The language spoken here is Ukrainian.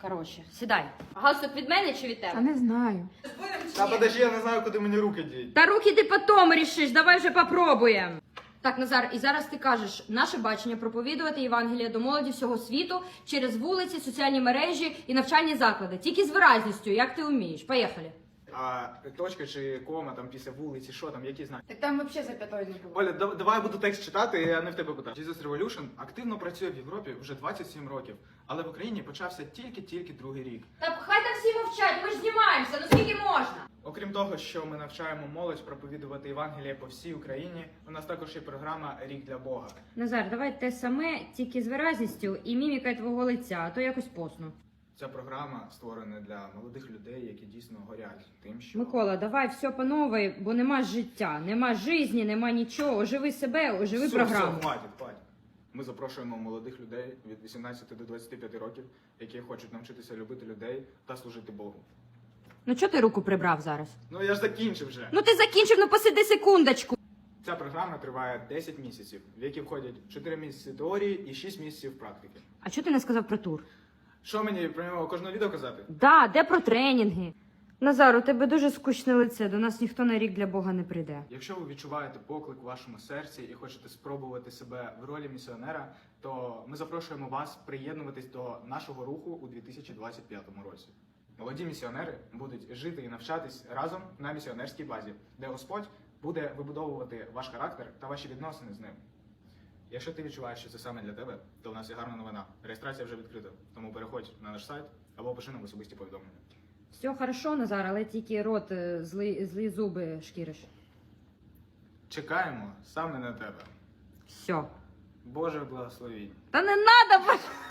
Коротше, сідай. Галстук від мене чи від Та тебе? не знаю. Та подожди, я не знаю, куди мені руки діть. Та руки ти потім рішиш, давай вже попробуємо. Так, Назар, і зараз ти кажеш, наше бачення проповідувати Євангелія до молоді всього світу через вулиці, соціальні мережі і навчальні заклади. Тільки з виразністю, як ти вмієш. Поїхали. А точка чи кома там після вулиці, що там, які знаки? Так там взагалі запятої не було. Оля, давай я буду текст читати, а не в тебе питати. Jesus Revolution активно працює в Європі вже 27 років, але в Україні почався тільки другий рік. Та хай там всі мовчать, ми ж знімаємося, ну скільки можна? Окрім того, що ми навчаємо молодь проповідувати Євангеліє по всій Україні, у нас також є програма «Рік для Бога». Назар, давай те саме, тільки з виразністю і мімікою твого лиця, а то якось посно. Ця програма створена для молодих людей, які дійсно горять тим, що... Микола, давай все по новій, бо нема життя, нема житті, нема нічого. Оживи себе, оживи програму. Все, хватить. Ми запрошуємо молодих людей від 18 до 25 років, які хочуть навчитися любити людей та служити Богу. Ну чого ти руку прибрав зараз? Ну я ж закінчив вже. Ну ти закінчив, ну посиди секундочку. Ця програма триває 10 місяців, в які входять 4 місяці теорії і 6 місяців практики. А чого ти не сказав про тур? Що мені про нього кожного відео казати? Да, де про тренінги? Назар, у тебе дуже скучне лице, до нас ніхто на рік для Бога не прийде. Якщо ви відчуваєте поклик у вашому серці і хочете спробувати себе в ролі місіонера, то ми запрошуємо вас приєднуватись до нашого руху у 2025 році. Молоді місіонери будуть жити і навчатись разом на місіонерській базі, де Господь буде вибудовувати ваш характер та ваші відносини з ним. Якщо ти відчуваєш, що це саме для тебе, то в нас є гарна новина. Реєстрація вже відкрита, тому переходь на наш сайт або пиши нам особисті повідомлення. Все хорошо, Назар, але тільки рот, злі зуби шкіриш. Чекаємо саме на тебе. Все. Боже благословінь. Та не надо!